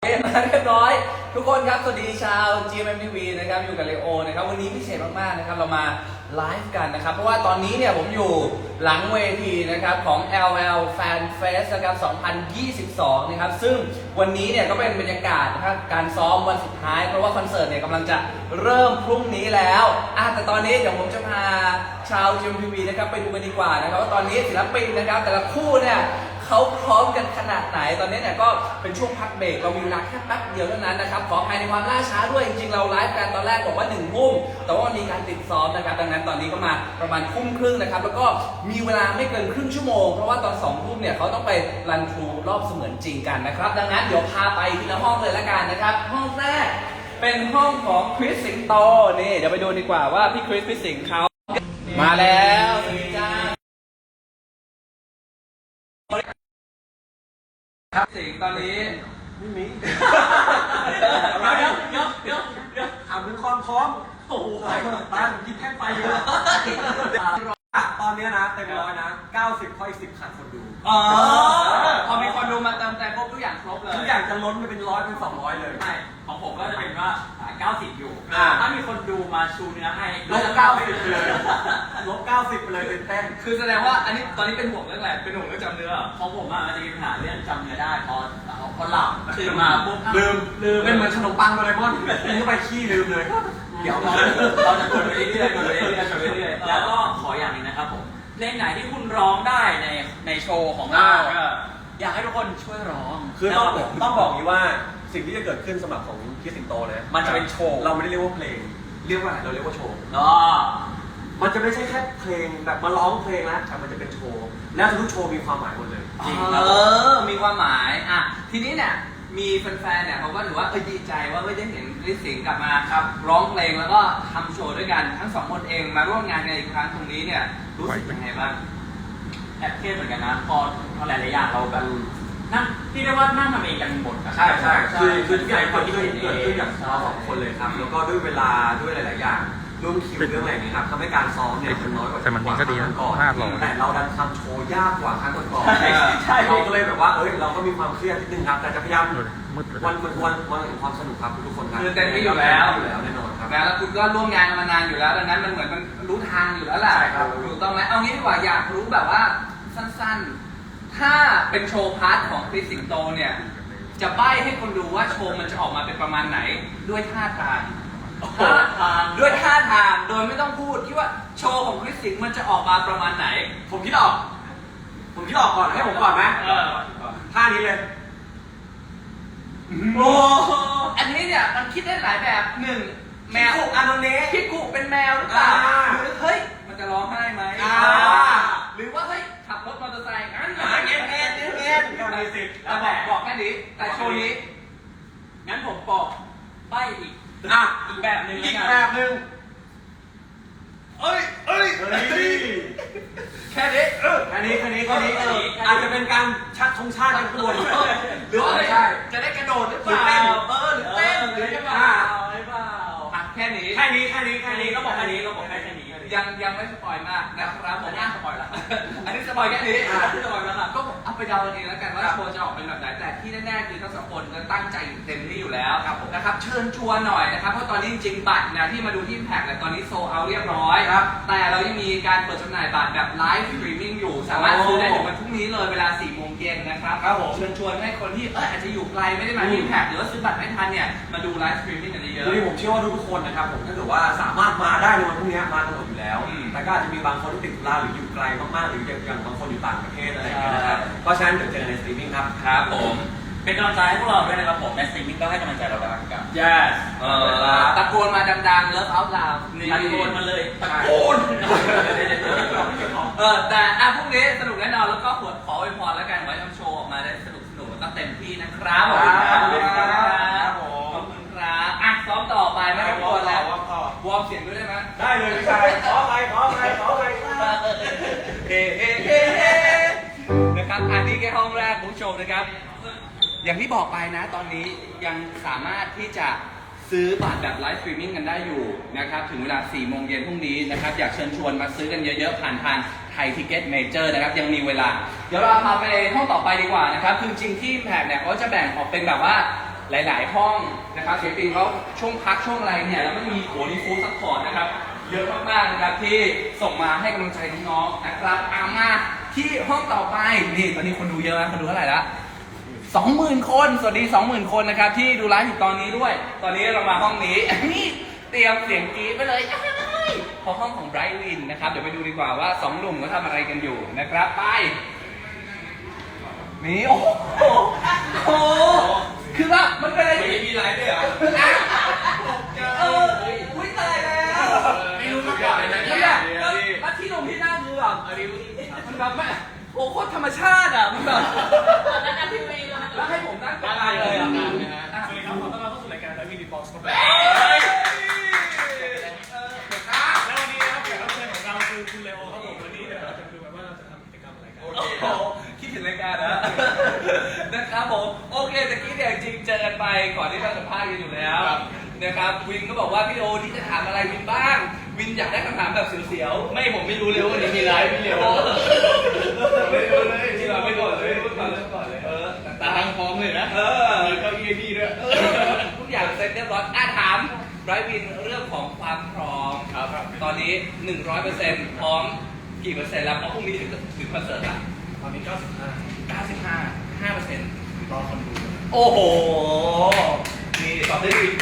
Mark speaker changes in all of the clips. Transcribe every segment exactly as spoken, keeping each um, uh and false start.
Speaker 1: เรียบร้อยทุกคนครับสวัสดีชาว จี เอ็ม เอ็ม ที วี นะครับอยู่กับเลโอนะครับวันนี้พิเศษมากๆนะครับเรามาไลฟ์กันนะครับเพราะว่าตอนนี้เนี่ยผมอยู่หลังเวทีนะครับของ แอล แอล Fan Fest นะครับสองพันยี่สิบสองนะครับซึ่งวันนี้เนี่ยก็เป็นบรรยากาศนะครับการซ้อมวันสุดท้ายเพราะว่าคอนเสิร์ตเนี่ยกำลังจะเริ่มพรุ่งนี้แล้วอ่ะแต่ตอนนี้เดี๋ยวผมจะพาชาว จี เอ็ม เอ็ม ที วี นะครับไปดูกันดีกว่านะครับว่าตอนนี้ศิลปินนะครับแต่ละคู่เนี่ยเขาพร้อมกันขนาดไหนตอนนี้เนี่ยก็เป็นช่วงพักเบรกเรามีเวลาแค่แป๊บเดียวเท่านั้นนะครับขออภัยในความล่าช้าด้วยจริงๆเราไลฟ์กันตอนแรกบอกว่าหนึ่งทุ่มแต่ว่ามีการติดซ้อมนะครับดังนั้นตอนนี้ก็มาประมาณทุ่มครึ่งนะครับแล้วก็มีเวลาไม่เกินครึ่งชั่วโมงเพราะว่าตอนสองทุ่มเนี่ยเขาต้องไปรันทรูรอบเสมือนจริงกันนะครับดังนั้นเดี๋ยวพาไปทีละห้องเลยละกันนะครับห้องแรกเป็นห้องของคริสสิงโตนี่เดี๋ยวไปดูดีกว่าว่าพี่คริสพี่สิงห์เขามาแล้วสวัสดีจ้าครับสิงตอนนี้
Speaker 2: ไม่มีเดี๋ยวเดี๋ยวเดี๋ยวเดี๋ยวถามถึงความพร้อมโอ้โหไปตาผมยิบแท่งไฟอยู่ตอนนี้นะเต็มร้อยนะเก้าสิบข้ออีกสิบขาดคนดู
Speaker 1: อ๋อพอมีคนดูมาเติมแต่ครบทุกอย่างครบเลย
Speaker 2: ทุกอย่างจะล้นไปเป็นร้อยเป็นสองร้อยเลย
Speaker 3: ใช่ของผมก็จะเป็นว่าเก้าสิบอยู่ถ้ามีคนดูมาชูเนื้อให้
Speaker 2: ลบเก้าสิบเลยลบเก้าสิบไปเลยเป็นแต้ม
Speaker 1: คือแสดงว่าอันนี้ตอนนี้เป็นห่วงเรื่องอะไรเป็นห่วงเรื่องจำเนื้อ
Speaker 3: ของผมอ่ะมันจะมีปัญหาเรื่องจำเนื้อได้พอพอหลับตื่นมาปุ๊บ
Speaker 2: ลืมลืมเป็นเหมือนขนมปังโดเรมอนกินเข้าไปขี้ลืมเลย
Speaker 3: เดี๋ยวเราเราจะกดไปเรื่อยๆกดไปเรื่อยๆกดไปเรื่อยๆแล้วก็ขออย่างนึงนะครับผมเพลงไหนที่คุณร้องได้ในในโชว์ของเราอยากให้ทุกคนช่วยร้อง
Speaker 2: คือต้องต้องบอกอย่างนี้ว่าสิ่งที่จะเกิดขึ้นสำหรับของคริสสิงโตนะ
Speaker 3: มันจะเป็นโชว์
Speaker 2: เราไม่ได้เรียกว่าเพลงเรียกว่าเราเรียกว่าโชว์
Speaker 3: อ๋อ
Speaker 2: มันจะไม่ใช่แค่เพลงแบบมาร้องเพลงแล้วแต่มันจะเป็นโชว์แล้วทุกโชว์มีความหมายหมดเลย
Speaker 1: จริงเออมีความหมายอ่ะทีนี้เนี่ยมีแฟนๆเนี่ยเขาก็ถือว่าเออดีใจว่าไม่ได้เห็นคริสสิงห์กลับมาครับร้องเพลงแล้วก็ทำโชว์ด้วยกันทั้งสองคนเองมาร่วมงานกันอีกครั้งตรงนี้เนี่ยรู้สึกยังไงบ้าง
Speaker 3: แอบเครียดเหมือนกันนะพอพอหลายๆอย่างเราแบบนั่งที่เรียกว่านั่งทำเองกันหมด
Speaker 2: ใช่ใช่คือคือทุกอย่างที่เกิดขึ้นจากเราสองคนเลยครับแล้วก็ด้วยเวลาด้วยหลายๆอย่างร่วมคิวเรื่องอะไรนี้ครับทำให้การซ้อมเนี่ยมันน้อยกว่า
Speaker 4: แต่มันก็ดีนะพลาดหรอ
Speaker 2: แต่เราดันทำโชว์ยากกว่าครั้งก่อนๆใช่เราก็เลยแบบว่าเอ้ยเราก็มีความเครียดนิดนึงครับแต่จะพยายามวันวันวันวันแห่งความสนุกครับทุกคนครับ
Speaker 1: คือเต็มที่อยู่แล้ว
Speaker 2: อยู่แล้วแน่นอนครับ
Speaker 1: แล้วคุณก็ร่วมงานมานานอยู่แล้วดังนั้นมันเหมือนมันรู้ทางอยู่แล้วแหละถูกต้องไหมเอางี้ดีกว่าอยากรู้แบบว่าสั้นๆถ้าเป็นโชว์พาร์ทของคริสสิงโตเนี่ยจะใบ้ให้คนดูว่าโชว์มันจะออกมาเป็นประมาณไหนด้วยท่าทาง
Speaker 3: ท่าทาง
Speaker 1: ด้วยท่าทางโดยไม่ต้องพูดคิดว่าโชว์ของคริสสิงมันจะออกมาประมาณไหน
Speaker 2: ผมคิดออกผมคิดออกก่อนให้ผมก่อนไหมท่านี้เลย
Speaker 1: โอ้อันนี้เนี่ยมันคิดได้หลายแบบหนึ่งแมว
Speaker 2: อันนี้
Speaker 1: พี่กุเป็นแมวหรือเปล่าหรือเฮ้ยมันจะร้องไห้ไหมหรือว่าเฮ้ยขับรถมอเตอร์ไซค์งั้น
Speaker 2: เงี้ยเงี้ยเงี้ยเงี้ยก็มีสิทธิ์
Speaker 1: แล้วบอกบอกแค่นี้แต่โชว์นี้
Speaker 3: งั้นผมบอกใบอีก
Speaker 2: อ่ะ
Speaker 3: อีกแบบหนึ่ง
Speaker 2: อีกแบบหนึ่ง
Speaker 1: เอ้ยเอ้ยแค่นี้
Speaker 2: แค่นี้แค่นี้แค่นี้อาจจะเป็นการชักธงชาติกันตัว
Speaker 1: หรือว่าจะได้กระโดดหรือเปล่าเออหรือเต้นหรือจะเปล่าแค่นี้
Speaker 2: แค่นี้แค่นี้แค่นี้
Speaker 3: ก็บอกแค่นี้ก็บอกแค่นี้
Speaker 1: ยังยังไม่สปอยมากนะครับผมอ่ะสปอยละอันนี้สปอยแค่นี้สปอยแล้วครับก็เอาไปเดาเองแล้วกันว่าโชว์จะออกเป็นแบบไหนแต่ที่แน่ๆคือทั้งสองคนก็ตั้งใจเต็มที่อยู่แล้วนะครับเชิญชวนหน่อยนะครับเพราะตอนนี้จริงๆบัตรนะที่มาดูที่แพ็คเนี่ยตอนนี้โซลเอาท์เรียบร้อยแต่เรายังมีการเปิดจำหน่ายบัตรแบบไลฟ์สตรีมมิ่งอยู่สามารถซื้อได้ถึงวันพรุ่งนี้เลยเวลาสี่โมงเย็นนะครับเชิญชวนให้คนที่เอออาจจะอยู่ไกลไม่ได้มาที่แพ็คหรือว่าซื้อบัตรไม่ทันเนี่ยมาดูไลฟ์สตรีมมิ่งกันเยอะ
Speaker 2: ๆผมเชื่อว่าทุกคนนะครับผมถ้าเกิดว่าสามารถมาได้ในวันพรุ่งนี้มากันหมดอยู่แล้วแต่ก็อาจจะมีบางคนที่ติดธุระหรืออยู่ไกลมากๆหรืออย่างบางคนอยู่ต่างประเทศอะไรอย่างเงี้ยนะครับก็ฉะนั้นเดี๋ยวเจอในสตรีมมิ่งครับ
Speaker 3: ครับผมเป็นกำลังใจให้พวกเราด้วยนะครับผมในสตรีมมิ่งก็ให้กำลังใจเราได้กัน
Speaker 1: yes เออตะโกนมาดังๆเลิฟเอาท์ลาว
Speaker 3: ตะโกนมาเลย
Speaker 1: ตะโกนเออแต่อ่ะพรุ่งนี้สนุกแน่นอนแล้วก็ขอขออวยพรแล้วกันไว้ทำโชว์ออกมาได้สนุกสนุกแล้วก็เต็มที่นะครับขอบคุณครับขอบคุณครับขอบคุณครับอ่ะซ้อมต่อไปไม่ต้องกลัวแล้ววอร์มเสียงด้วยได้ไหม
Speaker 2: ได้เลยพี่ชายขอใครขอใครขอใคร
Speaker 1: เฮ้เฮ้เฮ้เฮ้นะครับอันนี้แค่ห้องแรกของโชว์นะครับอย่างที่บอกไปนะตอนนี้ยังสามารถที่จะซื้อบัตรแบบไลฟ์สตรีมมิ่งกันได้อยู่นะครับถึงเวลาสี่โมงเย็นพรุ่งนี้นะครับอยากเชิญชวนมาซื้อกันเยอะๆผ่านทางไทยทิเก็ตเมเจอร์นะครับยังมีเวลาเดี๋ยวเราพาไปห้องต่อไปดีกว่านะครับคือจริงที่แพ็คเนี่ยเขาจะแบ่งออกเป็นแบบว่าหลายๆห้องนะครับศิลปินเขาช่วงพักช่วงอะไรเนี่ยแล้วไม่มีโหนี่ฟู้ดซัพพอร์ตนะครับเยอะมากๆนะครับที่ส่งมาให้กำลังใจน้องๆนะครับเอามาที่ห้องต่อไปนี่ตอนนี้คนดูเยอะนะคนดูเท่าไหร่ละสองหมื่นคนสวัสดีสองหมื่นคนนะครับที่ดูไลฟ์อยู่ตอนนี้ด้วย ตอนนี้เรามาห้องนี้นี่เตรียมเสียงกรี๊ดไปเลยพอห้องของไบรท์วินนะครับเดี๋ยวไปดูดีกว่าว่าสองหนุ่มเขาทำอะไรกันอยู่นะครับไปนี่โอ้โหโอ้โหคือว่ามันเป็นอะไรที่มีไลฟ์ด้วยเหรอเอออุ้ยตายแล้วไม่รู้มาก่อนเลยนะเนี่ยแล้วที่ลงที่หน้าคือแบบมันแบบไม่โอ้โคตรธรรมชาติอ่ะมันแบบแล้วให้ผมนั่งกลางเลยอ่ะ
Speaker 4: สวัสดีครับขอต้อนรับเข้าสู่รายการไลฟ์วีดีบ็อกซ์ครับแล้ววันนี้นะครับแขกรับเชิญของเราคือคุณเลโอครับผมวันนี้เดี๋ยวเราจะดูกันว่าเราจะทำกิจกรรมอะไรกัน
Speaker 1: โอ้โหคิดถึงรายการนะนะครับผมโอเคตะกี้เนี่ยจริงเจอกันไปก่อนที่เราสัมภาษณ์กันอยู่แล้วนะครับวินก็บอกว่าพี่โอที่จะถามอะไรวินบ้างวินอยากได้คำถามแบบเสียวๆไม่ผมไม่รู้เลยว่าวันนี้มีไลฟ์พี่เลโอไม่รู้เลยที่เราไม่ก่อนเลยก่อนเลยก่อนเลยเออตาทางพร้อมเลยนะเออมีเก้าอี้พี่ด้วยทุกอย่างเสร็จเรียบร้อยอ่ะถามไบรท์วินเรื่องของความพร้อมครับตอนนี้ หนึ่งร้อยเปอร์เซ็นต์ พร้อมกี่เปอร์เซ็นต์แล้วเพราะพรุ่งนี้ถึงถึงคอนเสิร์ตละ
Speaker 4: ตอนนี้เก้าสิบห้า
Speaker 1: เก้าสิบห้า ห้าเปอร์เซ็นต์
Speaker 4: รอคนดู
Speaker 1: โอ้โหนี่ตอบได้ดี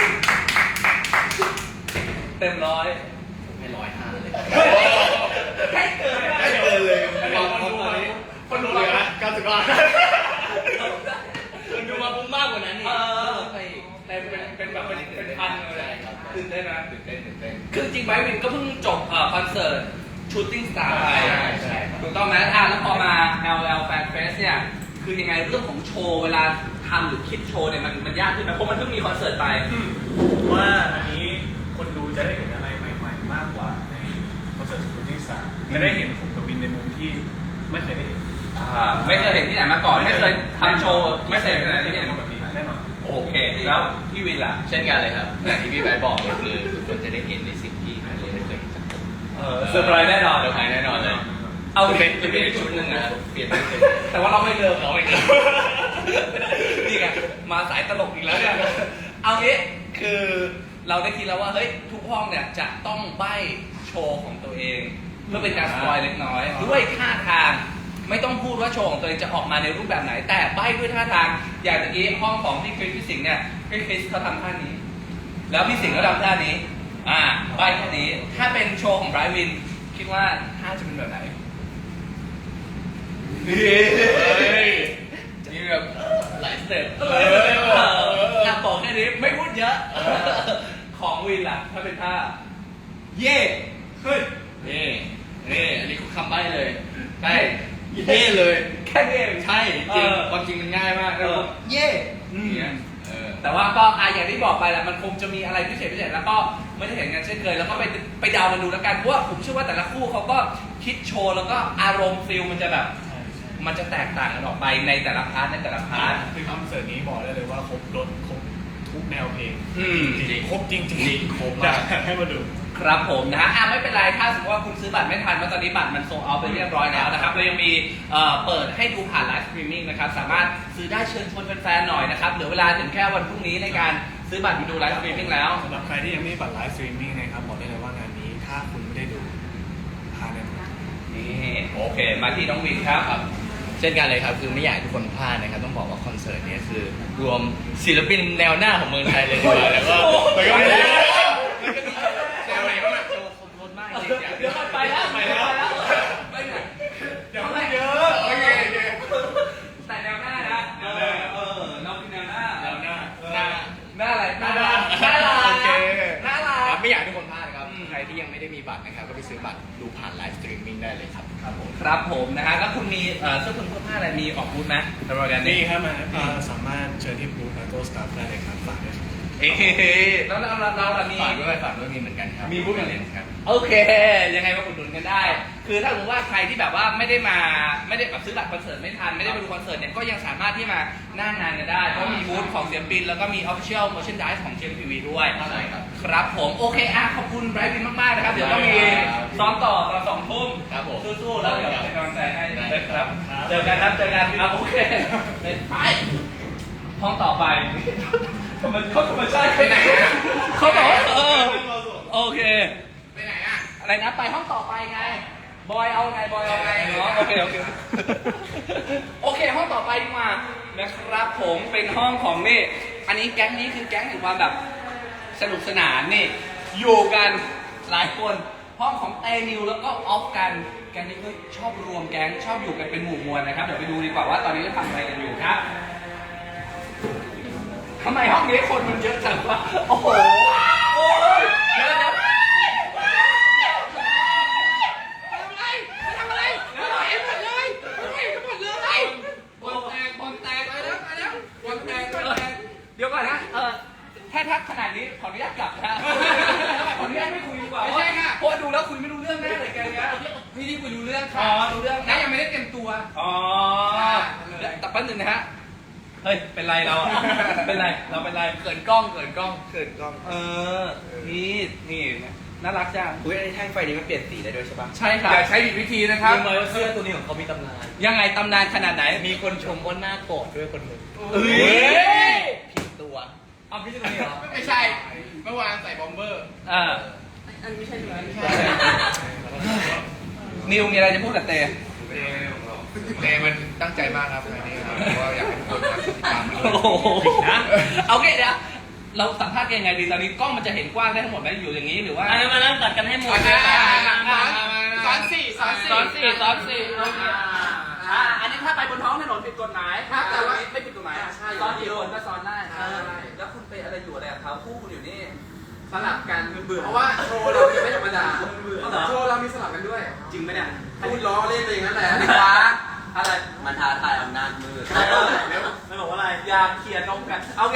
Speaker 1: เต็มร้อยไม่ร้อยห้าเลยให้เกินให้เกินเลย
Speaker 4: คนดูมาคนดูเลยนะเก้าสิบห้า
Speaker 1: คนดูมาพุ่งมากกว่านั้นนี่แต่เป็นเป็นแบบเป็นเป็นพันเลยตื่นเต้นนะตื่นเต้นตื่นเต้นคือจริงไบรท์วินก็เพิ่งจบคอนเสิร์ตชูตติ้งสตาร์ไปถูกต้องไหมอ่ะแล้วพอมา แอล แอล Fan Fest เนี่ยคือยังไงเรื่องของโชว์เวลาทำหรือคิดโชว์เนี่ยมันมันยากขึ้นไหมเพราะมันเพิ่งมีคอนเสิร์ตไป
Speaker 4: ว่าอันนี้คนดูจะได้เห็นอะไรใหม่ๆมากกว่าในคอนเสิร์ตสุดที่สามจะได้เห็นผมกับวินในมุมที่ไม่เคยได้เห็น
Speaker 1: อ่าไม่เคยเห็นที่ไหนมาก่อนไม่เคยทำโชว์ไม่เคยเห็นที่ไหนที่เห็น
Speaker 4: แบบนี้แน่นอน
Speaker 1: โอเคแล้วพี่วินล่ะ
Speaker 5: เช่นกันเลยครับอย่างที่พี่ไบร์ทบอกเลยคือทุกคนจะได้เห็นในสิ่งที่ไม่ได้เคยเห็นจากผม
Speaker 1: เออเซอร์ไพรส์แน่นอน
Speaker 5: เซอร์ไพรส์แน่นอนเลย
Speaker 1: เอา
Speaker 5: จะ
Speaker 1: เป็
Speaker 5: เป็น นจะเป็นอีกชุดหนึ่งนะครับเปลี่ยนเป็น
Speaker 1: แต่ว่าเราไม่เดิม
Speaker 5: เราไม่เกิน
Speaker 1: นี่ไงมาสายตลกอีกแล้วเนี่ยเอางี้คือเราได้คิดแล้วว่าเฮ้ยทุกห้องเนี่ยจะต้องใบ้โชว์ของตัวเองเพื่อเป็นการสปอยเล็กน้อยด้วยท่าทางไม่ต้องพูดว่าโชว์ของตัวเองจะออกมาในรูปแบบไหน แต่ใบ้ด้วยท่าทางอย่างตะกี้ห้องของพี่คริสพี่สิงห์เนี่ยพี่คริสเขาทำท่านี้ แล้วพี่สิงห์ก็ทำท่านี้อ่าใบ้ท่านี้ถ้าเป็นโชว์ของไบรท์วินคิดว่าท่าจะเป็นแบบไหนนี่แบบหลายสเต็ปถ้าบอกแค่นี้ไม่พูดเยอะของวินล่ะถ้าเป็นท่าเย่เฮ้ย
Speaker 5: นี่นี่อันนี้คือคำใบ้เลยใช่เย่เลย
Speaker 1: แค่นี้เอง
Speaker 5: ใช่จริงความจริงมันง่ายมาก
Speaker 1: เออเย่
Speaker 5: เนี่ยเออ
Speaker 1: แต่ว่าก็อ่ะอย่างที่บอกไปแหละมันคงจะมีอะไรพิเศษพิเศษแล้วก็ไม่ได้เห็นกันเช่นเคยแล้วก็ไปไปเดากันดูแล้วกันเพราะว่าผมเชื่อว่าแต่ละคู่เขาก็คิดโชว์แล้วก็อารมณ์ฟิลมันจะแบบมันจะแตกต่างกันออกไปในแต่ละพาร์ทในแต่ละพาร์ท
Speaker 4: คือคอนเสิร์ตนี้บอกได้เลยว่าครบรถครบทุกแนวเพลง
Speaker 1: อืม
Speaker 4: จริงครบจริงจริง
Speaker 5: ครบ
Speaker 4: อยาม
Speaker 5: าก ก
Speaker 4: ให้มาดู
Speaker 1: ครับผมนะฮะอ่ะไม่เป็นไรถ้าสมมติว่าคุณซื้อบัตรไม่ทันเพราะตอนนี้บัตรมันโซลเอาท์ไปเรียบร้อยแล้วนะครับเรายังมีเอ่อเปิดให้ดูผ่านไลฟ์สตรีมมิ่งนะครับสามารถซื้อได้เชิญชวนแฟนๆหน่อยนะครับเหลือเวลาถึงแค่วันพรุ่งนี้ในการซื้อบัตรมาดูไลฟ์สตรีมมิ่งแล้ว
Speaker 4: สำหรับใครที่ยังไม่มีบัตรไลฟ์สตรีมมิ่งนะครับบอกได้เลยว่างานนี้ถ้าคุณไม่ได้ดูพลาดแน่นอน
Speaker 1: นี่โอเคมาที่น้องวินครับ
Speaker 5: ครับเช่นกันเลยครับคือไม่อยากให้ทุกคนพลาดนะครับต้องบอกว่าคอนเสิร์ตนี้คือรวมศิลปินแนวหน้าของเมืองไทยเลยดีกว่าแล้วก็แล้วก็มีแล้วก็มีแนวไหนบ้างโชว์ครบรถมากจริงๆ
Speaker 1: เดี๋ยวไปแล้วไปแล้วไปไหน
Speaker 4: เดี๋ยวไม่เยอะโอเคโอเค
Speaker 1: แต่แนวหน้านะเออเออน้องเป็นแนวหน้า
Speaker 5: แนวหน้าหน้า
Speaker 1: หน้าอะไร
Speaker 4: หน้าด้าน
Speaker 1: หน้าลา
Speaker 4: โอเค
Speaker 1: หน้าลา
Speaker 5: ครับไม่อยากให้ทุกคนพลาดนะครับใครที่ยังไม่ได้มีบัตรนะครับก็ไปซื้อบัตรดูผ่านไลฟ์สตรีมมิ่งได้เลยครับครับผม
Speaker 1: ครับผมนะฮะแล้วคุณมีเอ่อเสื้อคลุมเสื้อผ้าอะไรมีออกบูธไหมสำหรับงาน
Speaker 4: นี่
Speaker 1: นี้
Speaker 4: ครับมาอ่าสามารถเชิญที่บูธแล้วก็สตาฟได้เลยครับฝากด้วยครับ
Speaker 1: เอ๊ะแล้วเราเราเรามี
Speaker 5: ฝากด้วยฝากด้วยมีเหมือนกันครับ
Speaker 1: มีบูธอย่าง
Speaker 5: เล
Speaker 1: ไร
Speaker 5: นครับ
Speaker 1: โอเค ยังไงมาอุดหนุนกันได้ คือถ้าสมมติว่าใครที่แบบว่าไม่ได้มาไม่ได้แบบซื้อบัตรคอนเสิร์ตไม่ทันไม่ได้ไปดูคอนเสิร์ตเนี่ยก็ยังสามารถที่มาหน้างานกันได้เพราะมีบูธของศิลปินแล้วก็มี Official Merchandise ของ จี เอ็ม ที วี ด้วย
Speaker 5: ใช่ครับ
Speaker 1: ครับผมโอเคอ่ะขอบคุณไบรท์วินมากๆนะครับเดี๋ยวต้องมีซ้อมต่อตอนสองทุ่ม
Speaker 5: ครับผม
Speaker 1: สู้ๆแล้วเดี๋ยวเป็นกำลังใจให้นะครับเจอกันครับเจอกันครับโอเคไปห้องต่อไปธรรมเขาธรรมชาติไปไหนเขาบอกว่าเออโอเคไปไหนอะอะไรนะไปห้องต่อไปไงบอยเอาไงบอยเอาไงเนาะโอเคโอเคโอเคห้องต่อไปดีกว่านะครับผมเป็นห้องของนี่อันนี้แก๊งนี้คือแก๊งแห่งความแบบสนุกสนานนี่อยู่กันหลายคนห้องของเตนิวแล้วก็ออฟกันแก๊งนี้ก็ชอบรวมแก๊งชอบอยู่กันเป็นหมู่มวลนะครับเดี๋ยวไปดูดีกว่าว่าตอนนี้เขาทำอะไรกันอยู่ครับทำไมห้องนี้คนมันเยอะจังวะโอ้โหโอ้ยเยอะนะทำอะไรทำอะไรเห็นหมดเลยเห็นหมดเลยบอลแตกบอลแตกไปแล้วไปแล้วบอลแตกบอลแตกเดี๋ยวก่อนนะเออถ้าทักขนาดนี้ขออนุญาตกลับนะขออนุญาตไม่คุยดีกว่าไม่ใช่ค่ะเพราะดูแล้วคุยไม่รู้เรื่องแน่เลยแกเนี้ยพี่ที่คุยรู้เรื่องค่ะรู้เรื่องนะยังไม่ได้เต็มตัวอ๋อแต่แป๊บนึงนะฮะเฮ้ยเป็นไรเราเป็นไรเราเป็นไรเขินกล้องเขินกล้องเขินกล้องเออนี่นี่น่ารักจัง
Speaker 2: อุ้ยไอ้แท่งไฟนี้มันเปลี่ยนสีได้ด้วยใช่ปะ
Speaker 1: ใช่ครับอย่าใช้ผิดวิธีนะครับ
Speaker 5: รู้ไหมว่าเสื้อตัวนี้ของเขามีตำนาน
Speaker 1: ยังไงตำนานขนาดไหน
Speaker 5: มีคนชมว่าหน้าโกรธด้วยคนหนึ่ง
Speaker 1: เอ้ย
Speaker 5: ผิดตัวเอาพี่ตัวนี้เหรอ
Speaker 4: ไม่ใช่เมื่อวานใส่บอมเบอร์
Speaker 1: อ่า
Speaker 6: อันนี้ไม่ใช่เนื้อไม่ใช่
Speaker 1: นิวมีอะไรจะพูดกับเต
Speaker 4: เตมันตั้งใจมากครับอันนี้ครับเพราะว่าอยากให้ทุกคนมาติดตามด้วย
Speaker 1: โอ้โหนะเอาโอเคเดี๋ยวเราสัมภาษณ์กันยังไงดีตอนนี้กล้องมันจะเห็นกว้างได้ทั้งหมดไหมอยู่อย่างนี้หรือว่า
Speaker 3: อันนี้มานั่งตัดกันให้หมด
Speaker 4: สอนสี่สอนสี่
Speaker 1: สอนสี่สอนสี่โอเคอ่าอันนี้ถ้าไปบนท้องถนนผิดกฎหมายครับแต่ว่าไม่ผิดกฎหมายซ้อนกี่คนก็ซ้อนได้แล้วคุณไปอะไรอยู่อะไรกับเขาคู่คุณอยู่นี่
Speaker 6: สลับกันเบื่อเพราะว่าโชว์เราไม่ธรรมดาโชว์เรามีสลับกันด้วย
Speaker 1: จริงไหมเนี่ย
Speaker 6: พูดล้อเล่นไปอย่างนั้นแหละ
Speaker 1: ดีกว่าอะไร
Speaker 2: มันท้าทายอำนาจมืด
Speaker 3: ไม่บอกว่าอะไร
Speaker 1: อยากเขียนนมกันเอาโอเค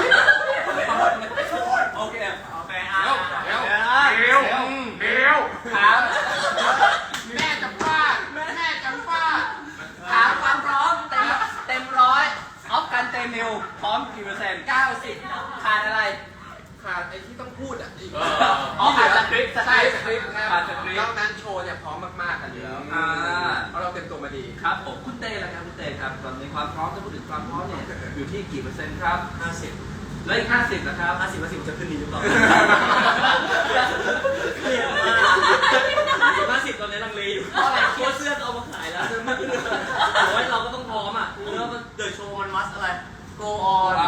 Speaker 1: โอเค
Speaker 3: โอเคอ่ะ
Speaker 4: เดี๋ยว
Speaker 3: เดี๋ยว
Speaker 4: เดี๋ยวเดี๋ยว
Speaker 1: ถาม
Speaker 6: แม่จะฟาดแม่จะฟาด
Speaker 1: ถามความพร้อมเต็มเต็มร้อยออฟกันเต็มนิวพร้อมกี่เปอร์เซ็นต์เก้าสิบขาดอะไร
Speaker 6: ขาดไอ้ที่ต้องพูดอ่ะอีก
Speaker 1: อ๋อขาดสคริปต์
Speaker 6: ใช่สคริปต์
Speaker 1: ขาดสคริป
Speaker 6: นอ
Speaker 1: ต์
Speaker 6: กนั้นโชว์เนี่ยพร้อมมากๆกันอยู่แล้ว
Speaker 1: อ่า
Speaker 6: เพราะเราเต็มตัวมาดี
Speaker 1: ครับผมคุณเต้ละครับคุณเต้ครับตอนนี้ความพร้อมถ้าพูดถึงความพร้อมเนี่ยอยู่ที่กี่เปอร์เซ็นต์ครับห้าสิบแล้วอีกห้าสิบนะครับห้าสิบเปอร์เซ็นต์จะขึ้นดีหรือเปล่า
Speaker 3: ห้าสิบตอนนี้ลังเลอยู่เพราะอะไรตัวเสื้อเอามาขายแล้วโอ้ยเราก็ต้องพร้อมอ่ะแล้วมันเดอะโชว์มันมัสอะไร
Speaker 1: go on
Speaker 6: เรา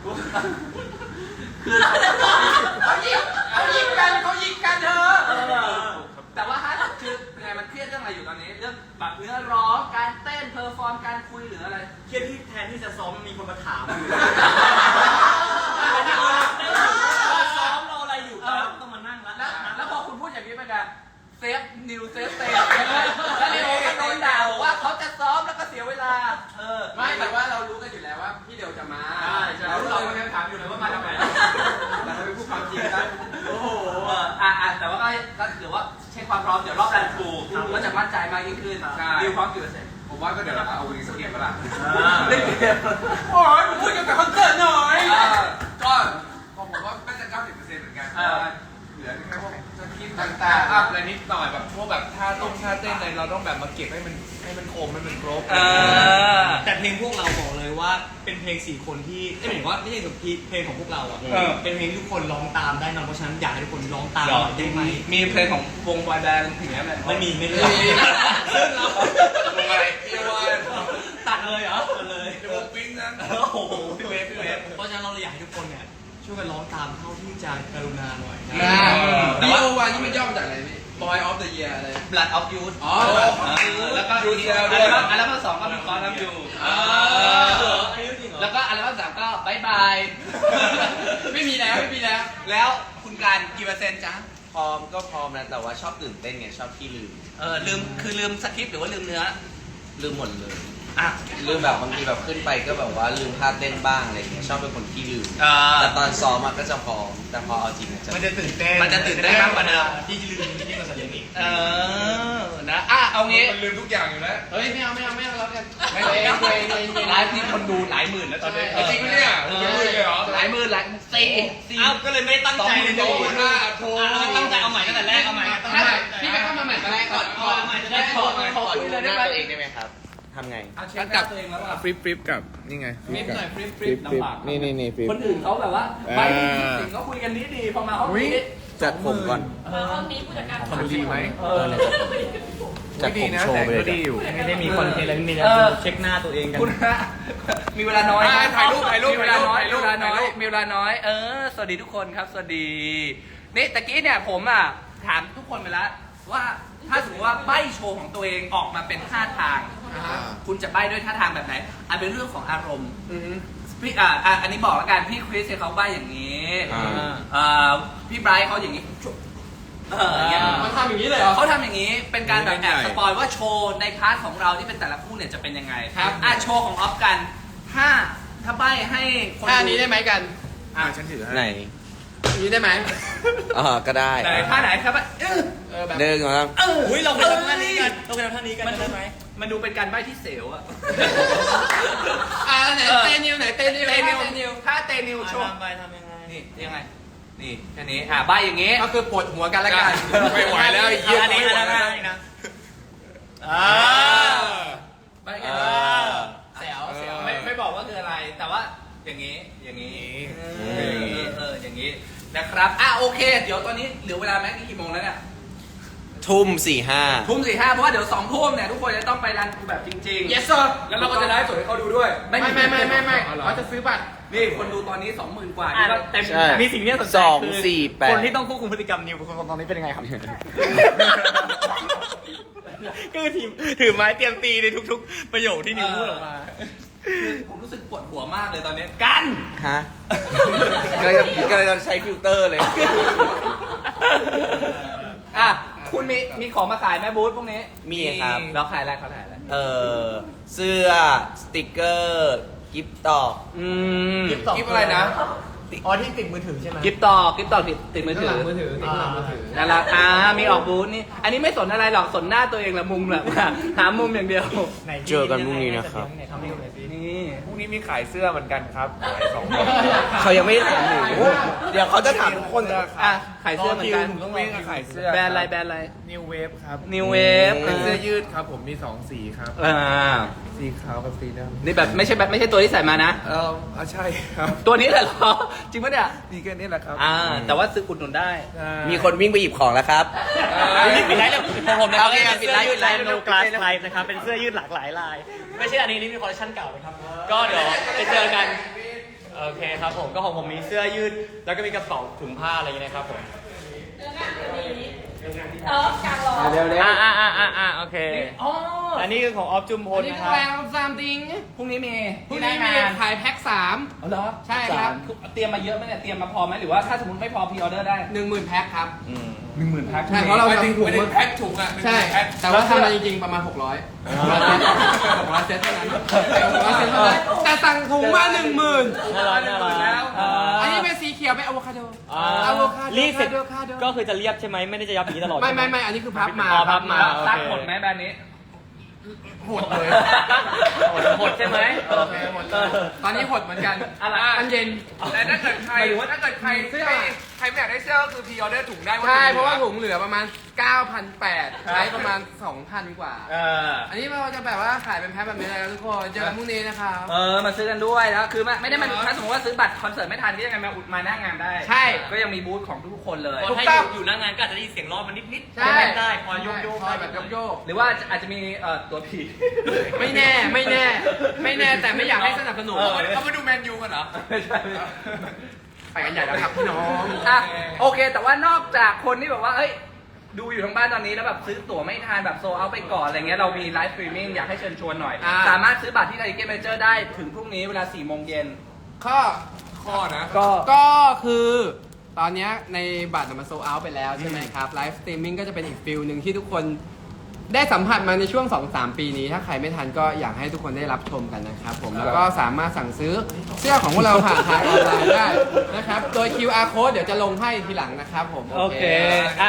Speaker 1: คือเขายิงเขายิงกันเขายิงกันเธอแต่ว่าห้าสิบคือไงมันเครียดเรื่องอะไรอยู่ตอนนี้เรื่องแบบเนื้อร้องการเต้นเพอร์ฟอร์มการคุยหรืออะไร
Speaker 3: เครียดที่แทนที่จะซ้อมมีคนมาถามซ้อมเราอะไรอยู่ต้องมานั่ง
Speaker 1: แล้ว
Speaker 3: แล้ว
Speaker 1: แล้วพอคุณพูดอย่างนี้ไปกันเซฟนิวเซฟเตย์แล้วนิวก็โดนด่าบอกว่าเขาจะซ้อมแล้วก็เสียเวลาเออ
Speaker 6: ไม่แต่ว่าเรารู้กันอยู่แล้วว่าพี่เดียวจะมา
Speaker 3: เรา
Speaker 6: เรา
Speaker 3: เรา
Speaker 6: เรา
Speaker 3: ยังถามอยู่เลยว่ามาทำไม
Speaker 6: แต่เราไม่พูดความจริงนะ
Speaker 1: โอ้โหอ่ะอ่ะแต่ว่าก็ก็ถือว่าเช็คความพร้อมเดี๋ยวรอบรันทรูก็จะมั่นใจมากยิ่งขึ้นนิวพร้อมกี่เปอร์เซ็นต์
Speaker 6: ผมว่าก็เดี๋ยวเราเอาวีสเก็ตมาละ
Speaker 1: เล่นเกม
Speaker 6: โอ้ยพูดเกี่ยวกับคอนเสิร์ตหน่อย
Speaker 1: อ่า
Speaker 6: ก็ผมว่าน่าจะ เก้าสิบเปอร์เซ็นต์ เหมือนกัน
Speaker 1: อ่า
Speaker 6: เหลือแค่พวกสคริปต์ต่างๆอัพอะไรนิดหน่อยแบบพวกแบบท่าต้มท่าเต้นอะไรเราต้องแบบมาเก็บให้มันให้มันคมให้มันครบ
Speaker 1: เออ
Speaker 3: แต่เพลงพวกเราบอกเลยว่าเป็นเพลงสี่คนที่ไม่หมายถึงว่าไม่ใช่เพลงของพวกเราอ่ะ
Speaker 1: เออ
Speaker 3: เป็นเพลงที่ทุกคนร้องตามได้นะเพราะฉะนั้นอยากให้ทุกคนร้องตามหน่อยได้ไหม
Speaker 1: มีเพลงของวงบอยแบนด์ถึงนี้ไหม
Speaker 3: ไม่มีไม่มี
Speaker 1: ไม่มี
Speaker 3: ซึ่งเรา
Speaker 6: วงอะไรพี่วาน
Speaker 3: ตัดเลยเหรอตัดเลย
Speaker 6: วงปิ้งนะ
Speaker 3: โอ้โหพี่เวฟพี่เวฟเพราะฉะนั้นเราเลยอยากให้ทุกคนเนี่ยช่วยกันร้องตามเท่าที่จะกรุณาหน่อยนะ
Speaker 6: แต่ว่าวานนี่มันย่อมาจากอะไรพี่ Boy of the Year อะไร
Speaker 1: Blood of Youth
Speaker 6: อ๋อ
Speaker 1: แล้วก็
Speaker 6: Youth
Speaker 1: อัล
Speaker 6: ด้วย
Speaker 1: บั้มอัลบั้มสองก็มีคอร์นัมอยู่
Speaker 3: อ่าเหรออันนี้จริงเหรอ
Speaker 1: แล้วก็อัลบั้มสามก็บายบาย ไม่มีแล้วไม่มีแล้ว แล้วคุณการกี่เปอร์เซ็นต์จ๊ะ
Speaker 2: พร้อมก็พร้อมนะแต่ว่าชอบตื่นเต้นไงชอบที่ลืม
Speaker 1: เออลืมคือลืมสคริปต์หรือว่าลืมเนื้อ
Speaker 2: ลืมหมดเลย
Speaker 1: อ่ะ
Speaker 2: ลืมแบบบางทีแบบขึ้นไปก็แบบว่าลืมท่าเต้นบ้างอะไรเงี้ยชอบเป็นคนที่ลืม
Speaker 1: อ่า
Speaker 2: แต่ตอนซ้อมอะก็จะพร้อมแต่พอเอาจริงอะจะ
Speaker 4: มันจะตื่นเต้น
Speaker 1: มันจะตื่นเต้นมากกว่าเดิม
Speaker 4: ที่ลืมที่มาสัญญาณอีก
Speaker 1: เออนะอ่ะเอางี้
Speaker 6: มันลืมทุกอย่างอยู่แล้ว
Speaker 4: เฮ้ยไม่เอาไม่เอาไม่เอาแล้วกัน
Speaker 1: ไม่เองเองเองไลฟ์นี่คนดูหลายหมื่นแล้วตอนนี้
Speaker 6: เออจริงปะเนี่ย
Speaker 1: ออ
Speaker 6: เป็นหมื่นเลยเหรอ
Speaker 1: หลายหมื่นหลายสี่สี่
Speaker 3: อ้าวก็เลยไม่ตั้งใจเลย
Speaker 6: สองหมื่นห้าโทร
Speaker 3: ตั้งใจเอาใหม่ตั้งแต่แรกเอาใหม่ตั้งใจ
Speaker 1: พี่ไปเข้ามาใหม่กันแรกก่อน
Speaker 3: เอาใหม่จะได้
Speaker 1: ข
Speaker 3: ข
Speaker 1: อ
Speaker 3: อ
Speaker 1: ขอคุยเลยได้ไหม
Speaker 2: ตัวเองได้ไหมครับ
Speaker 1: ฮ
Speaker 7: ทำไง
Speaker 1: อ่ะเช็คหน้าตัวเองแล้วอ่ะ
Speaker 6: ฟลิปฟลิปกับนี่ไง
Speaker 1: ฟลิปหน่อยฟลิปฟ
Speaker 6: ฟ
Speaker 1: ลิ
Speaker 6: ลิ
Speaker 1: ป
Speaker 6: ปฟลิป
Speaker 1: ลำบาก
Speaker 6: นี่นี่นี่ฟลิป
Speaker 1: คนอื่นเขาแบบว่า
Speaker 6: อ่า
Speaker 1: ไปสิงเขาคุยกันดีดีๆพอมาห้องนี้
Speaker 7: จัดผมก่อน
Speaker 8: ห้องนี้ผู้จัดการ
Speaker 6: มันดีไหม
Speaker 1: เออ
Speaker 7: จัดผมโชว์ไปเลย
Speaker 6: ก็ดีอยู่
Speaker 5: ไม่ได้มีคอนเทนต์อะไรไม่มีนะ
Speaker 1: เออ
Speaker 5: เช็คหน้าตัวเองกัน
Speaker 1: คุณฮะมีเวลาน้อย
Speaker 6: อ่าถ่ายรูปถ่ายรูป
Speaker 1: มีเวลาน้อย
Speaker 6: ถ่ายรู
Speaker 1: มี
Speaker 6: ป
Speaker 1: เวลาน้อย
Speaker 6: ถ่ายรูป
Speaker 1: มีเวลาน้อย เออ สวัสดีทุกคนครับ สวัสดี นี่ตะกี้เนี่ยผมอ่ะถามทุกคนไปแล้วว่าถ้าสมมติว่าใบ้โชว์ของตัวเองออกมาเป็นท่าทาง คุณจะใบ้ด้วยท่าทางแบบไหนอันเป็นเรื่องของอารมณ์พี่อ่าอ่ะอันนี้บอกแล้วกันพี่คริสเนี่ยเขาใบ้อย่างนี้
Speaker 7: อ่า
Speaker 1: อ่าพี่ไบรท์เขาอย่างนี้เอออย่างเงี้ย
Speaker 2: มันทำอย่างนี้เลยเหรอ
Speaker 1: เขาทำอย่างนี้เป็นการแบบแอบสปอยว่าโชว์ในพาร์ทของเราที่เป็นแต่ละคู่เนี่ยจะเป็นยังไงครับอ่ะโชว์ของออฟกันถ้าถ้าใบ้ให้คน
Speaker 2: ท่านี้ได้ไหมกัน
Speaker 6: อ่าฉันถือให้
Speaker 7: ไหน
Speaker 2: อย่างนี้ได้ไหม
Speaker 7: อ่าก็ได้
Speaker 1: ไหนท่าไหนครับเออ
Speaker 2: เออแบบ
Speaker 7: หนึ่งสองสาม
Speaker 1: เออ
Speaker 5: อุ้ยเราไปทำท่านี้กันเราไปทำท่านี้กัน
Speaker 1: มัน
Speaker 5: ได้ไหม
Speaker 1: มันดูเป็นการใบ้ที่เสียวอะ
Speaker 2: อ่าไหนเตนิวไหนเตนิว
Speaker 1: เตนิว
Speaker 2: เตนิว
Speaker 1: ถ้าเตนิวโชว์
Speaker 5: ทำไปทำยังไง
Speaker 1: นี่ยังไงนี่แค่นี้อ่ะใบ้อย่างงี้
Speaker 2: ก็คือปวดหัวกันละกัน
Speaker 6: ไม่ไหวแล้วไอ้เหี้ย
Speaker 5: อันนี้
Speaker 6: ไม่ไหว
Speaker 5: อัน
Speaker 6: แล้ว
Speaker 5: นี้นะ
Speaker 1: อ่าใบ้แค่นี้
Speaker 2: เสียว
Speaker 1: เสี
Speaker 2: เสี
Speaker 1: ย
Speaker 2: ยว ว
Speaker 1: ไม่ไม่บอกว่าคืออะไร แต่ว่าอย่างนี้อย่างนี้เออเออเอออย่างนี้นะครับอ่ะโอเค เดี๋ยวตอนนี้เหลือเวลาแม็กนี่กี่โมงแล้วเนี่ย
Speaker 7: ทุ่มสี่ห้า
Speaker 1: ทุ่มสี่ห้าเพราะว่าเดี๋ยวสองทุ่มเนี่ยทุกคนจะต้องไปรันแบบจริงๆ
Speaker 2: yes sir
Speaker 1: แล้วเราก็จะได้สดให้เขาดูด้วย
Speaker 2: ไม่ไม่ไม่ไม่ไม่เขาจะซื้อบัตร
Speaker 1: นี่คนดูตอนนี้สองหมื่นกว่า
Speaker 5: อ่ะ
Speaker 1: นี่ก็
Speaker 5: เต็ม
Speaker 7: ใช่
Speaker 5: มีสิ่งที่น่าสนใจ
Speaker 7: สอง
Speaker 5: คือ
Speaker 7: สี่แปด
Speaker 5: คนที่ต้องควบคุมพฤติกรรมนิวคนตอนนี้เป็นยังไงครับ ก็คือทีมถือไม้เตรียมตีในทุกๆ ประโยคที่นิวพูดออกมา
Speaker 1: คือผมรู้สึกปวดหัวมากเลยตอนนี้กัน
Speaker 7: ฮะก็จะก็จะใช้ฟิลเตอร์เลย
Speaker 1: อ่ะคุณมีมีของมาขายไหมบูธพวกนี้
Speaker 7: มีครับ
Speaker 1: แล้วขายอะไรเขาขายอะไร
Speaker 7: เอ่อ เสื้อ สติกเกอร์ กิฟต์ตอก
Speaker 1: อืม
Speaker 5: กิฟต์ต่อ
Speaker 1: กิฟอะไรนะ
Speaker 5: อ๋อที่ติดมือถือใช่ไหม
Speaker 1: กิฟต่อกิฟต่อติดติดมือถือ
Speaker 2: มือถือติดหลังมือถือ
Speaker 1: นั่นแหละอ่ามีออกบูธนี่อันนี้ไม่สนอะไรหรอกสนหน้าตัวเองแหละมุมแบบหามุมอย่างเดียว
Speaker 5: ไห
Speaker 7: เจอกันพรุ่งนี้นะครับ
Speaker 5: ไหทำให้ดูหน่อยสิ
Speaker 1: นี่
Speaker 6: พรุ่งนี้มีขายเสื้อเหมือนกันครับขายสอง
Speaker 7: เขายังไม่ได้ถามหนูเดี๋ยวเขาจะถามทุกคน
Speaker 1: อ่ะขายเสื้อเหมือนกัน
Speaker 5: ต้องรอ
Speaker 6: วิ่ง
Speaker 5: คิว
Speaker 6: ขายเสื้อ
Speaker 1: แบรนด์อะไรแบรนด์อะไร
Speaker 6: นิวเวฟครับ
Speaker 1: New Wave
Speaker 6: เป็นเสื้อยืดครับผมมีสองสีครับ
Speaker 1: อ่า
Speaker 6: สีขาวกับสีดำ
Speaker 1: นี่แบบไม่ใช่แบบไม่ใช่ตัวที่ใส่มานะ
Speaker 6: เอออ่ะใช่ครับ
Speaker 1: ตัวนี้แหละเหรอจริงปะเนี่ย
Speaker 6: มีแค่นี้แหละครับ
Speaker 1: อ่า แต่ว่าซื้ออุดหนุนได้
Speaker 6: ใช่
Speaker 7: มีคนวิ่งไปหยิบของแล้วครับ
Speaker 5: นี่ปิดไลฟ์แล้วของผมนะครับ
Speaker 1: โอเค
Speaker 5: เป็น
Speaker 1: ปิด
Speaker 5: เสื้
Speaker 1: ไล
Speaker 5: อ
Speaker 1: ฟ์
Speaker 5: ยืดลาย
Speaker 1: ปิดไลฟ์
Speaker 5: โนกลาสไลฟ์นะครับ เป็นเสื้อยืดหลากหลายลาย ไม่ใช่อันนี้นี่มีคอลเลคชันเก่านะครับ ก็เดี๋ยวไปเจอกัน โอเคครับผม ก็ของผมมีเสื้อยืด แล้วก็มีกระเป๋าถุงผ้าอะไรอย่างเงี้ยนะครับผม
Speaker 8: เออกลางรอ
Speaker 2: เดี๋ยวเดี๋ยว
Speaker 5: อ่าอ่าอ่าอ่าอ่าโอเค
Speaker 1: อ๋อ
Speaker 5: อันนี้คือของออฟจุมพล
Speaker 2: นี่
Speaker 5: นะ
Speaker 2: คื
Speaker 5: ค
Speaker 2: อ
Speaker 5: รับ
Speaker 2: แรงซามติง
Speaker 1: พรุ่งนี้มี
Speaker 2: พรุ่งนี้มีขายแพ็คสาม
Speaker 1: เอาเหรอ
Speaker 2: ใช่ครับ
Speaker 1: เตรียมมาเยอะไหมเนี่ย เตรียมมาพอไหมหรือว่าถ้าสมมติไม่พอพรีออเดอร์ได้
Speaker 2: หนึ่งหมื่นแพ็คครับ
Speaker 1: หนึ่งหมื่นแพ็ค
Speaker 2: ใช่เพราะเรา
Speaker 6: ไม่ถึง
Speaker 2: ทำถุง
Speaker 6: ไม่ถึงแพ็คถุงอ่ะ
Speaker 2: ใช่ แต่ว่าทำมาจริงๆประมาณหกร้อยหกร้อยเซตเท่านั้นหกร้อยเซตเท่านั้นแต่สั่งถุงมาหนึ่งหมื่น
Speaker 5: น่ารักน่ารัก
Speaker 2: อันนี้เป็นสีเขียวเป็นอะโวคาโด
Speaker 5: อ่า
Speaker 2: อะโวคาโด
Speaker 5: รีดเสร็จ
Speaker 2: อะโวคาโด
Speaker 5: ก็คือจะเรียบใช่ไหมไม่ได้จะยับอย่างนี้ตลอด
Speaker 2: ไม่ไม่
Speaker 5: ใช่ห
Speaker 2: ไม่อันนี้คือพับมา
Speaker 5: อ๋อพับมา
Speaker 1: ซักหมดไหมแบรนด์นี้
Speaker 2: หดเลย
Speaker 5: หดหดใช่ไหม
Speaker 2: โอเคหมดเลยตอนนี้หดเหมือนกัน
Speaker 1: อะไร
Speaker 2: อันเย็น
Speaker 6: แต่ถ้าเกิดใคร
Speaker 2: หมายถึงว่า
Speaker 6: ถ้าเกิดใคร
Speaker 2: เสื้อ
Speaker 6: ไม่ใครไม่อยากได้เสื้อก็คือพรีออเดอร์ถุงได้
Speaker 2: ใช่เพราะว่าถุงเหลือประมาณ เก้าพันแปดร้อยใช้ประมาณ สองพัน กว่า
Speaker 1: เออ
Speaker 2: อันนี้เราจะแบบว่าขายเป็นแพ็คแบบนี้เลยนะทุกคนเจอกันพรุ่งนี้นะครับ
Speaker 1: เออ มาซื้อกันด้วยแล้วคือไม่ไม่ได้มันถ้าสมมติว่าซื้อบัตรคอนเสิร์ตไม่ทันก็ยังไงมาอุดมาหน้างานได้
Speaker 2: ใช่
Speaker 1: ก็ยังมีบูธของทุกๆคนเลย
Speaker 5: คนให้อยู่อยู่หน้างานก็อาจจะได้ยินเสียงร้อนมันนิดๆ
Speaker 2: ใช่
Speaker 5: เล่นได้พอโยกโยก
Speaker 2: พอแบบโยก
Speaker 1: หรือว่าอาจจะมีเอ่อตัวผี
Speaker 2: ๆไม่แน่ไม่แน่ ไม่แน่แต่ไม่อยากให้สนับสนุน
Speaker 1: เออ
Speaker 6: เขามาดูแมนยูกันเหรอ
Speaker 1: ไม่ใช่
Speaker 2: ไปกันใหญ่แล้วครับพี่น้อง
Speaker 1: อ่ะโอเค แต่ว่านอกจากคนที่แบบว่าเอ้ยดูอยู่ทางบ้านตอนนี้แล้วแบบซื้อตั๋วไม่ทันแบบโซเอาไปก่อนอะไรเงี้ยเรามีไลฟ์สตรีมมิ่งอยากให้เชิญชวนหน่อย
Speaker 2: อ่า
Speaker 1: สามารถซื้อบัตรที่ไทเก็ตเมเจอร์ได้ถึงพรุ่งนี้เวลาสี่โมงเย็น
Speaker 2: ข้อ
Speaker 6: ข้อนะ
Speaker 1: ก็
Speaker 2: ก็คือตอนเนี้ยในบัตรมันโซเอาไปแล้วใช่ไหมครับไลฟ์สตรีมมิ่งก็จะเป็นอีกฟิลหนึ่งที่ทุกคนได้สัมผัสมาในช่วง สองสาม ปีนี้ ถ้าใครไม่ทันก็อยากให้ทุกคนได้รับชมกันนะครับผมแล้วก็สามารถสั่งซื้อเสื้อของพวกเราผ่านทางออนไลน์ได้นะครับโดย คิว อาร์ code เดี๋ยวจะลงให้ทีหลังนะครับผม
Speaker 1: โอเคอ่ะ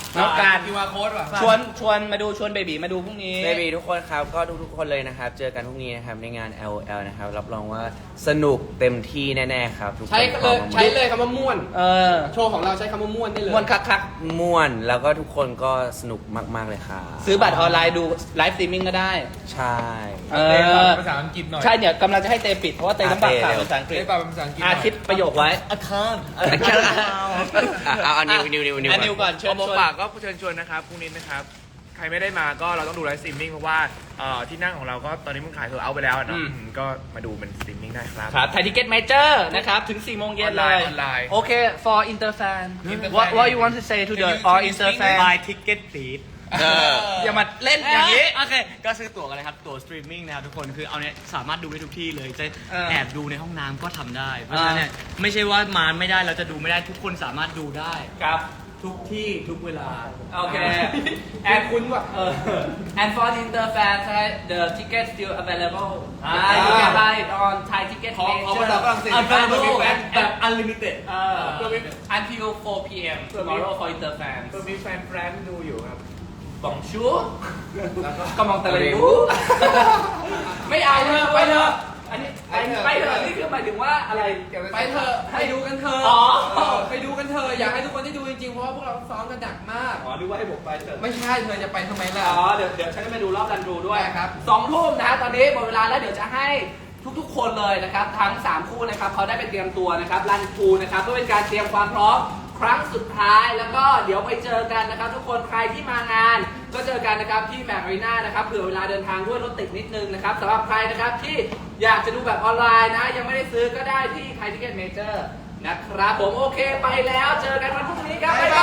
Speaker 1: น้องการ
Speaker 6: คิวอาร์โค้ดว่ะ
Speaker 1: ชวนชวนมาดูชวนเบบีมาดูพรุ่งนี้
Speaker 7: เบบีทุกคนครับก็ทุกๆคนเลยนะครับ เจอกันพรุ่งนี้นะครับในงาน แอล โอ แอล นะครับ รับรองว่าสนุกเต็มที่แน่ๆครับทุกคน
Speaker 6: ใช้เลยใช้เลยคำว่าม่วน
Speaker 1: เออ
Speaker 6: โชว์ของเราใช้คำว่าม่วนได้เลย
Speaker 1: มวนคักคัก
Speaker 7: ม่วนแล้วก็ทุกคนก็สนุกมากๆเลยครับ
Speaker 1: ๆซื้อบัตรออนไลน์ดูไลฟ์สตรีมมิ่งก็ได้
Speaker 7: ใช่
Speaker 1: เอ
Speaker 6: เต้น
Speaker 1: อ
Speaker 6: ภาษาอังกฤษหน่อย
Speaker 1: ใช่เนี่ยกำลังจะให้เตปิดเพราะว่าเตต้องบักข่าวภาษาอังกฤษ
Speaker 6: เต้นภาษาอังกฤษหน่
Speaker 1: อา
Speaker 6: อย
Speaker 1: คิดประโยคไว้
Speaker 5: อาคาร
Speaker 7: อ่ะเอาเอานิวนิวนิวนิว
Speaker 1: อ่ะนิวก่อนเชิญ
Speaker 6: เอาหม
Speaker 1: ช
Speaker 6: ก
Speaker 1: วน
Speaker 6: ปากก็เชิญชวนนะครับพรุ่งนี้นะครับ ใครไม่ได้มาก็เราต้องดูไลฟ์สตรีมมิ่งเพราะว่าเอ่อที่นั่งของเราก็ตอนนี้มันขายโซลเอาท์ไปแล้วอะเนาะ
Speaker 1: อืม
Speaker 6: อืมก็มาดูเป็นสตรีมมิ่งได้ครับ
Speaker 1: ครับไทยทิเก็ตเมเจอร์นะครับ ถึงสี่โมงเย็นเลย
Speaker 6: ออนไลน์
Speaker 1: โอเค for inter fan
Speaker 6: Inter
Speaker 1: what
Speaker 6: fan
Speaker 1: what you want to say to the
Speaker 6: Can you-
Speaker 1: all
Speaker 6: can you
Speaker 1: inter
Speaker 6: speak
Speaker 1: fan
Speaker 5: buy ticket please
Speaker 7: เออ
Speaker 1: อย่ามาเล่นอย่างนี้
Speaker 5: โอเค ก็ซื้อตั๋วกันเลยครับ ตั๋วสตรีมมิ่งนะครับทุกคน คือเอาเนี่ยสามารถดูได้ทุกที่เลย จะ
Speaker 1: เออ
Speaker 5: แอบดูในห้องน้ำก็ทำได้ เพราะฉะนั้นเนี่ยไม่ใช่ว่ามาไม่ได้เราจะดูไม่ได้ทุกคนสามารถดูได้
Speaker 1: ครับ
Speaker 5: ทุกที่ทุกเวลา
Speaker 1: โอเค and คุณว่าเออ and for the inter fans right the ticket still available อ่า you can buy it on Thai ticket
Speaker 6: ขอขอ
Speaker 1: major
Speaker 6: ภาษาฝรั่งเศส
Speaker 1: available
Speaker 6: แบบ
Speaker 1: แบบ unlimited เออ until four p m tomorrow for inter fans
Speaker 6: ก็มีแฟนแฟนดูอยู่ครับ
Speaker 1: bonjour ก็มองตะเลยดูไม่เอาเถอะไปเถอะอันนี้ไปไปเถอะนี่คือหมายถึงว่าอะไร
Speaker 6: ไปเถอะไปดูกันเถอะ
Speaker 1: อ๋อ
Speaker 6: เออไปดูกันเถอะอยากให้ทุกคนได้ดูจริงๆเพราะว่าพวกเราซ้อมกันหนักมาก
Speaker 1: อ๋อดูว่าให้ผมไปเถอะ
Speaker 6: ไม่ใช่เธอจะไปทำไมล่ะ
Speaker 1: อ๋อ เดี๋ยวเดี๋ยวฉันจะไปดูรอบรันทรูด้วย
Speaker 6: ได้ครับ
Speaker 1: สองทุ่มนะฮะตอนนี้หมดเวลาแล้วเดี๋ยวจะให้ทุกๆ คนเลยนะครับ ทั้ง สาม คู่นะครับเขาได้ไปเตรียมตัวนะครับรันทรูนะครับเพื่อเป็นการเตรียมความพร้อมครั้งสุดท้ายแล้วก็เดี๋ยวไปเจอกันนะครับ ทุกคนใครที่มางาน ก็เจอกันนะครับที่แมคอารีนานะครับเผื่อเวลาเดินทางด้วยรถติดนิดนึงนะครับสำหรับใครนะครับที่อยากจะดูแบบออนไลน์นะยังไม่ได้ซื้อก็ได้ที่ไทยทิเก็ตเมเจอร์นะครับผมโอเคไปแล้วเจอกันวันพรุ่งนี้ครับบ๊ายบาย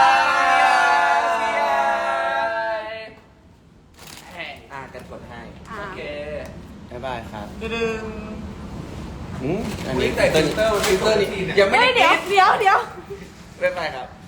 Speaker 7: อ่ะกันกดให้
Speaker 1: โอเค
Speaker 7: บ๊ายบายครับ
Speaker 1: ดึง
Speaker 7: อืมอัน
Speaker 6: นี่
Speaker 7: นี้
Speaker 6: แต่ฟิลเตอร์ฟิลเตอร์นี่ยังไม่
Speaker 8: เฮ้
Speaker 6: ได้
Speaker 8: ยเดี๋ยวเดี๋ยวเดี๋ยว
Speaker 7: บ๊ายบายครับ